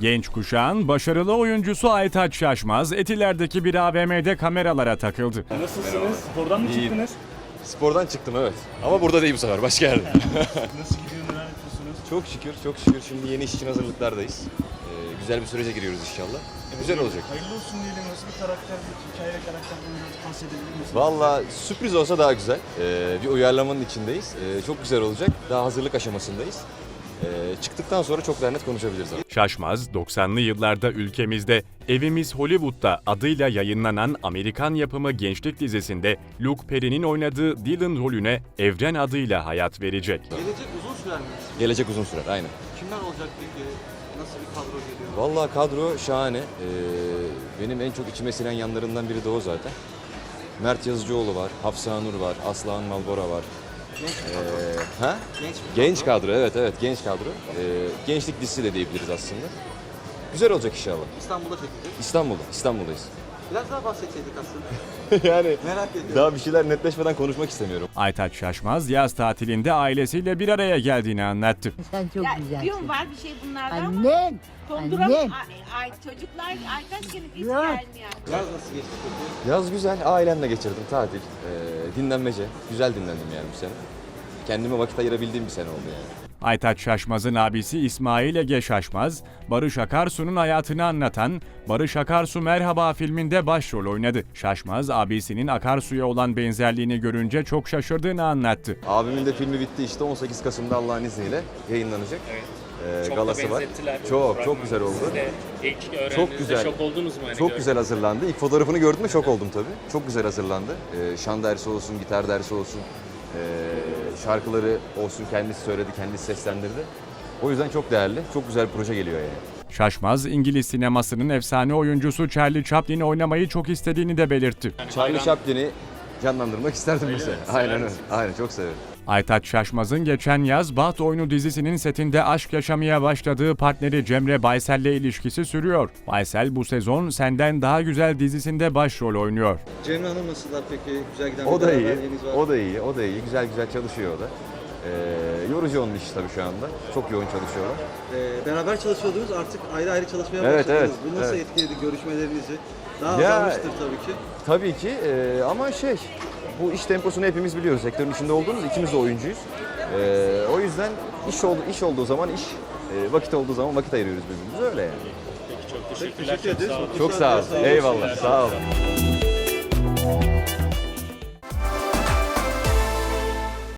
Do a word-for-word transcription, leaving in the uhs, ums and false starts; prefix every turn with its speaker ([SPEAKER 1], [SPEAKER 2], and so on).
[SPEAKER 1] Genç kuşağın başarılı oyuncusu Aytaç Şaşmaz, Etiler'deki bir A V M'de kameralara takıldı.
[SPEAKER 2] Nasılsınız? Buradan mı
[SPEAKER 3] İyiyim.
[SPEAKER 2] çıktınız?
[SPEAKER 3] Spordan çıktım evet. Ama burada değil bu sefer, başka yerde.
[SPEAKER 2] Nasıl gidiyor, neler yapıyorsunuz?
[SPEAKER 3] Çok şükür, çok şükür şimdi yeni iş için hazırlıklardayız. Ee, güzel bir sürece giriyoruz inşallah. Güzel olacak.
[SPEAKER 2] Hayırlı olsun diyelim. Nasıl bir karakter, bir hikaye karakterden biraz bahsedebilir misiniz?
[SPEAKER 3] Valla sürpriz olsa daha güzel. Ee, bir uyarlamanın içindeyiz. Ee, çok güzel olacak. Daha hazırlık aşamasındayız. Ee, çıktıktan sonra çok daha net konuşabiliriz ama.
[SPEAKER 1] Şaşmaz, doksanlı yıllarda ülkemizde Evimiz Hollywood'da adıyla yayınlanan Amerikan yapımı gençlik dizisinde Luke Perry'nin oynadığı Dylan rolüne Evren adıyla hayat verecek.
[SPEAKER 4] Gelecek uzun sürer mi?
[SPEAKER 3] Gelecek uzun sürer, aynen.
[SPEAKER 4] Kimler olacak peki? Nasıl bir kadro geliyor?
[SPEAKER 3] Valla kadro şahane. Ee, benim en çok içime sinen yanlarından biri de o zaten. Mert Yazıcıoğlu var, Hafsa Nur var, Aslıhan Malbora var.
[SPEAKER 4] Genç bir
[SPEAKER 3] Ee,
[SPEAKER 4] kadro.
[SPEAKER 3] ha?
[SPEAKER 4] Genç bir
[SPEAKER 3] Genç
[SPEAKER 4] kadro.
[SPEAKER 3] kadro, evet evet genç kadro. Ee, gençlik dizisi de diyebiliriz aslında. Güzel olacak inşallah.
[SPEAKER 4] İstanbul'da çekilecek.
[SPEAKER 3] İstanbul'da, İstanbul'dayız.
[SPEAKER 4] Biraz daha bahsetseydik aslında.
[SPEAKER 3] yani
[SPEAKER 4] Merak ediyorum.
[SPEAKER 3] daha bir şeyler netleşmeden konuşmak istemiyorum.
[SPEAKER 1] Aytaç Şaşmaz, yaz tatilinde ailesiyle bir araya geldiğini anlattı.
[SPEAKER 5] Sen çok
[SPEAKER 6] Ya,
[SPEAKER 5] güzelsin.
[SPEAKER 6] diyorum var bir şey bunlardan ama
[SPEAKER 5] Annem.
[SPEAKER 6] konduram
[SPEAKER 5] Annem.
[SPEAKER 6] ay, ay çocuklar Aytaç gelip hiç
[SPEAKER 5] Ya.
[SPEAKER 6] gelmiyor.
[SPEAKER 4] Yaz nasıl geçti peki?
[SPEAKER 3] Yaz güzel, ailemle geçirdim tatil. Ee, dinlenmece. Güzel dinlendim yani bu sene. Kendime vakit ayırabildiğim bir sene oldu yani.
[SPEAKER 1] Aytaç Şaşmaz'ın abisi İsmail Ege Şaşmaz, Barış Akarsu'nun hayatını anlatan Barış Akarsu Merhaba filminde başrol oynadı. Şaşmaz, abisinin Akarsu'ya olan benzerliğini görünce çok şaşırdığını anlattı.
[SPEAKER 3] Abimin de filmi bitti işte on sekiz Kasım'da Allah'ın izniyle yayınlanacak. Evet.
[SPEAKER 7] Çok
[SPEAKER 3] galası
[SPEAKER 7] da
[SPEAKER 3] var.
[SPEAKER 7] benzettiler.
[SPEAKER 3] Çok çok güzel oldu.
[SPEAKER 7] Siz de ilk öğrendiğinizde
[SPEAKER 3] Çok güzel.
[SPEAKER 7] şok oldunuz mu? Hani
[SPEAKER 3] Çok
[SPEAKER 7] gör-
[SPEAKER 3] güzel hazırlandı. İlk fotoğrafını gördüm de şok oldum tabii. Çok güzel hazırlandı. Ee, şan dersi olsun, gitar dersi olsun, ee, şarkıları olsun kendisi söyledi, kendisi seslendirdi. O yüzden çok değerli, çok güzel bir proje geliyor yani.
[SPEAKER 1] Şaşmaz, İngiliz sinemasının efsane oyuncusu Charlie Chaplin'i oynamayı çok istediğini de belirtti.
[SPEAKER 3] Charlie Chaplin'i canlandırmak isterdim mesela. Aynen öyle. Aynen çok severim.
[SPEAKER 1] Aytaç Şaşmaz'ın geçen yaz Baht Oyunu dizisinin setinde aşk yaşamaya başladığı partneri Cemre Baysel'le ilişkisi sürüyor. Baysel bu sezon Senden Daha Güzel dizisinde başrol oynuyor.
[SPEAKER 4] Cemre Hanım nasıllar peki? Güzel giden
[SPEAKER 3] O
[SPEAKER 4] bir
[SPEAKER 3] da iyi,
[SPEAKER 4] beraberliğiniz var.
[SPEAKER 3] o da iyi, o da iyi. Güzel güzel çalışıyor o da. Ee, yorucu onun işi tabii şu anda. Çok yoğun çalışıyorlar.
[SPEAKER 4] Ee, beraber çalışıyordunuz artık ayrı ayrı çalışmaya
[SPEAKER 3] Evet,
[SPEAKER 4] başladınız.
[SPEAKER 3] evet,
[SPEAKER 4] Bu nasıl
[SPEAKER 3] evet.
[SPEAKER 4] etkiledi görüşmelerinizi? Daha
[SPEAKER 3] Ya-
[SPEAKER 4] azalmıştır tabii ki.
[SPEAKER 3] Tabii ki ee, ama şey, bu iş temposunu hepimiz biliyoruz. Sektörün içinde olduğumuz, ikimiz de oyuncuyuz. Ee, o yüzden iş oldu, iş olduğu zaman iş, ee, vakit olduğu zaman vakit ayırıyoruz birbirimize öyle yani.
[SPEAKER 7] Peki çok teşekkürler.
[SPEAKER 4] Teşekkür ederiz.
[SPEAKER 7] Çok sağ olun.
[SPEAKER 3] Çok sağ ol. Eyvallah. Sağ olun.